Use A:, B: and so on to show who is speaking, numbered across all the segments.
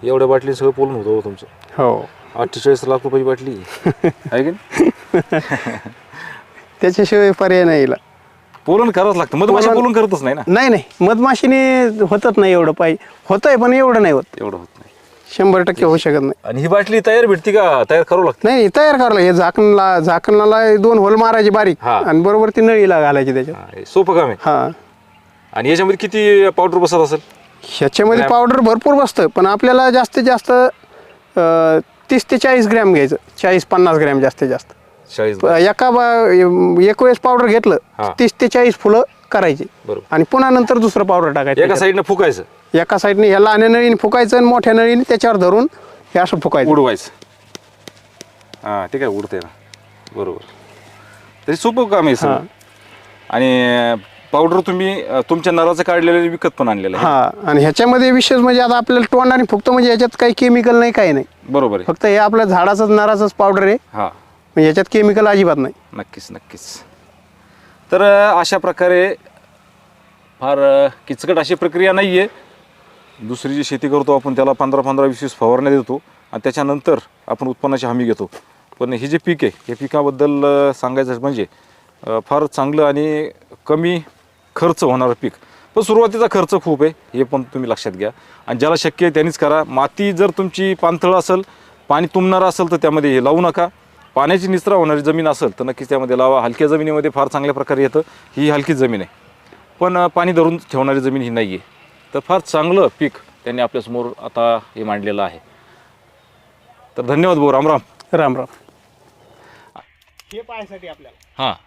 A: एवढ्या बाटली सगळं पोलून होतं हो तुमचं.
B: हो
A: 48 लाख रुपयाची बाटली आहे की नाही?
B: त्याच्याशिवाय पर्याय नाही हिला.
A: पोलन करावंच लागतं. मधमाशा पोलन करतच नाही ना.
B: नाही मधमाशीने होतच नाही एवढं पाहिजे. होतंय पण एवढं नाही होत.
A: एवढं होत नाही.
B: 100% होऊ शकत नाही.
A: आणि ही बाटली तयार भेटती का? तयार करावं लागतं?
B: नाही तयार करायला हे झाकणाला 2 होल मारायचे बारीक
A: हा.
B: आणि बरोबर ती नळीला घालायची त्याच्यात.
A: हे सोपं काम आहे.
B: हा
A: आणि याच्यामध्ये किती पावडर बसत असेल?
B: ह्याच्यामध्ये पावडर भरपूर बसतं पण आपल्याला जास्तीत जास्त 30 ते 40 ग्रॅम घ्यायचं. 40-50 ग्रॅम जास्तीत जास्त.
A: 40.
B: एक वेळेस पावडर घेतलं 30 ते 40 फुलं करायची
A: बरोबर.
B: आणि पुन्हा नंतर दुसरं पावडर टाकायचं.
A: एका साईडनं फुकायचं,
B: एका साईडने ह्या लहान नळीने फुकायचं आणि मोठ्या नळीने त्याच्यावर धरून हे असं फुकायचं,
A: उडवायचं. हां ते काय उडते ना. बरोबर. तरी सोपं काम आहे सर. आणि पावडर तुम्ही तुमच्या नराचं काढलेलं विकत पण आणलेलं आहे.
B: हा. आणि ह्याच्यामध्ये विशेष म्हणजे आता आपल्याला तोंडाने फुकतं म्हणजे याच्यात काही केमिकल नाही, काही नाही.
A: बरोबर आहे.
B: फक्त हे आपल्या झाडाचंच नराचंच पावडर आहे.
A: हां
B: म्हणजे याच्यात केमिकल अजिबात नाही.
A: नक्कीच. तर अशा प्रकारे फार किचकट अशी प्रक्रिया नाही आहे. दुसरी जी शेती करतो आपण त्याला 15-20 फवारण्या देतो आणि त्याच्यानंतर आपण उत्पन्नाची हमी घेतो. पण हे जे पीक आहे हे पिकाबद्दल सांगायचं म्हणजे फार चांगलं आणि कमी खर्च होणारं पीक. पण सुरुवातीचा खर्च खूप आहे हे पण तुम्ही लक्षात घ्या. आणि ज्याला शक्य आहे त्यांनीच करा. माती जर तुमची पाणथळ असेल, पाणी तुंबणारं असेल तर त्यामध्ये हे लावू नका. पाण्याची निचरा होणारी जमीन असेल तर नक्कीच त्यामध्ये लावा. हलक्या जमिनीमध्ये फार चांगल्या प्रकारे येतं. ही हलकीच जमीन आहे पण पाणी धरून ठेवणारी जमीन ही नाही आहे. तर फार चांगलं पीक त्यांनी आपल्यासमोर आता हे मांडलेलं आहे. तर धन्यवाद भाऊ. राम राम.
B: राम राम. हे पाहायसाठी आपल्याला
A: हां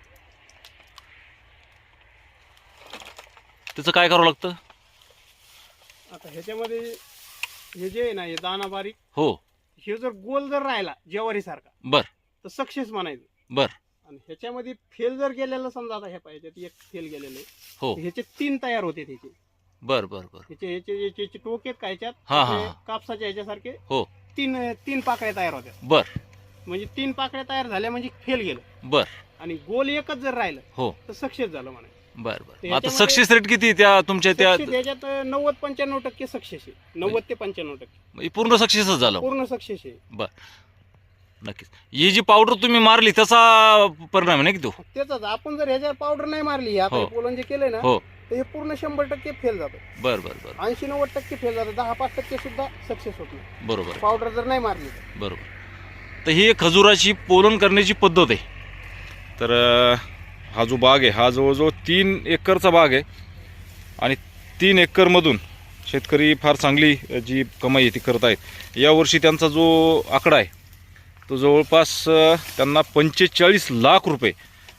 A: त्याचं काय करावं लागतं?
B: आता ह्याच्यामध्ये हे जे आहे ना हे दाना बारीक,
A: हो
B: हे जर गोल जर राहिला ज्वारी सारखा
A: बर
B: तर सक्सेस म्हणायचं.
A: बर.
B: आणि ह्याच्यामध्ये फेल जर गेलेलं समजा आता हे पाहिजे एक फेल गेलेलं आहे
A: हो
B: ह्याचे 3 तयार होते त्याचे.
A: बर बर बर.
B: ह्याचे टोक आहेत काय
A: हा, हा,
B: ह्याच्यात कापसाच्या ह्याच्यासारखे
A: हो
B: 3 पाकळ्या तयार होत्या.
A: बर
B: म्हणजे 3 पाकळ्या तयार झाल्या म्हणजे फेल गेलं.
A: बर.
B: आणि गोल एकच जर राहिलं
A: हो
B: तर सक्सेस झालं म्हणायचं.
A: बर बर. आता
B: याच्यामध्ये
A: सक्सेस रेट किती त्या तुमच्या त्या?
B: त्याच्यात 90-95% सक्सेस आहे. 90 ते 95%
A: पूर्ण सक्सेसच झालं?
B: पूर्ण सक्सेस आहे.
A: बर नक्कीच. ही जी पावडर तुम्ही मारली त्याचा परिणाम नाही की तो?
B: त्याचाच आपण जर ह्याच्यावर पावडर नाही मारली आता पोलन जे केलंय ना
A: हो
B: तर हे पूर्ण 100% फेल जातं.
A: बर बर बर.
B: 80-90% फेल जातं. 10-5% सुद्धा सक्सेस होत नाही
A: बरोबर
B: पावडर जर नाही मारली तर.
A: बरोबर. तर ही खजुराची पोलन करण्याची पद्धत आहे. तर हा जो बाग आहे हा जवळजवळ 3 एकरचा बाग आहे आणि 3 एकरमधून शेतकरी फार चांगली जी कमाई आहे ती करत आहेत. यावर्षी त्यांचा जो आकडा आहे तो जवळपास त्यांना 45 लाख रुपये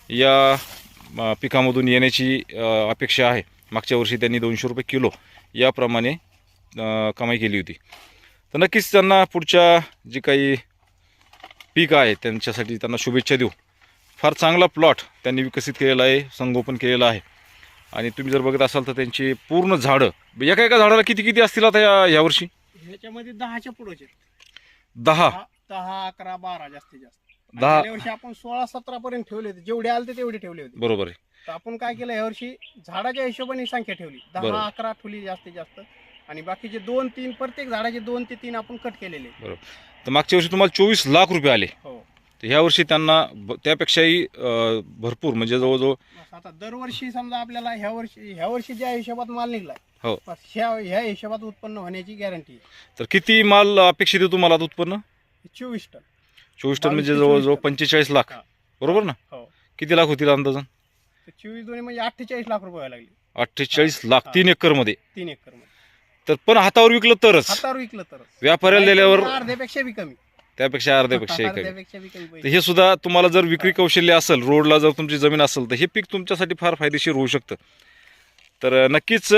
A: या पिकामधून येण्याची अपेक्षा आहे. मागच्या वर्षी त्यांनी 200 रुपये किलो याप्रमाणे कमाई केली होती. तर नक्कीच त्यांना पुढच्या जी काही पीक आहे त्यांच्यासाठी त्यांना शुभेच्छा देऊ. फार चांगला प्लॉट त्यांनी विकसित केलेला आहे, संगोपन केलेलं आहे. आणि तुम्ही जर बघत असाल तर त्यांची पूर्ण झाडं एका झाडाला किती असतील आता यावर्षी?
B: ह्याच्यामध्ये 10च्या पुढेचे
A: 10,
B: 11, 12 जास्तीत जास्त.
A: 10
B: गेल्या वर्षी आपण 16-17 पर्यंत ठेवले होते. जेवढे आले तेवढे ठेवले होते.
A: बरोबर आहे.
B: तर आपण काय केलं यावर्षी झाडाच्या हिशोबाने संख्या ठेवली. 10-11 ठेवली जास्तीत जास्त. आणि बाकीचे 2-3 प्रत्येक झाडाचे 2 ते 3 आपण कट केलेले.
A: बरोबर. तर मागच्या वर्षी तुम्हाला 24 लाख रुपये आले.
B: हो. तर
A: ह्या वर्षी त्यांना त्यापेक्षाही भरपूर म्हणजे जवळजवळ
B: आता दरवर्षी समजा आपल्याला ह्या वर्षी ज्या हिशोबात माल निघलाय
A: हो
B: ह्या हिशोबात उत्पन्न होण्याची गॅरंटी आहे.
A: तर किती माल अपेक्षित आहे तुम्हाला उत्पन्न?
B: 24 टन.
A: 24 टन म्हणजे जवळजवळ 45 लाख. बरोबर ना?
B: हो.
A: किती लाख होतील अंदाजन?
B: 24 दोन्ही म्हणजे 48 लाख रुपये व्हायला लागले.
A: 48 लाख 3 एकरमध्ये.
B: 3 एकरमध्ये.
A: तर पण हातावर विकलं तरच?
B: हातावर विकलं तरच.
A: व्यापाऱ्याला दिल्यावर
B: अर्ध्यापेक्षा बी कमी.
A: त्यापेक्षा अर्ध्यापेक्षा कमी.
B: अर्ध्यापेक्षा बी कमी.
A: तर हे सुद्धा तुम्हाला जर विक्री कौशल्य असेल, रोडला जर तुमची जमीन असेल तर हे पीक तुमच्यासाठी फार फायदेशीर होऊ शकतं. तर नक्कीच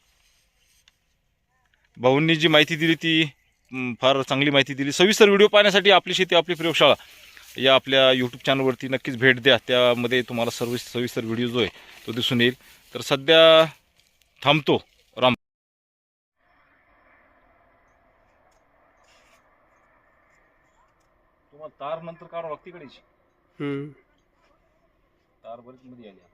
A: भाऊंनी जी माहिती दिली ती फार चांगली माहिती दिली. सविस्तर व्हिडिओ पाहण्यासाठी आपली शेती आपली प्रयोगशाळा या आपल्या यूट्यूब चॅनलवरती नक्कीच भेट द्या. त्यामध्ये तुम्हाला सविस्तर व्हिडिओ जो आहे तो दिसून येईल. तर सध्या थांबतो. राम. तुम्हाला तार नंतर काढावं लागते कडेची. तार बरीच मध्ये आली.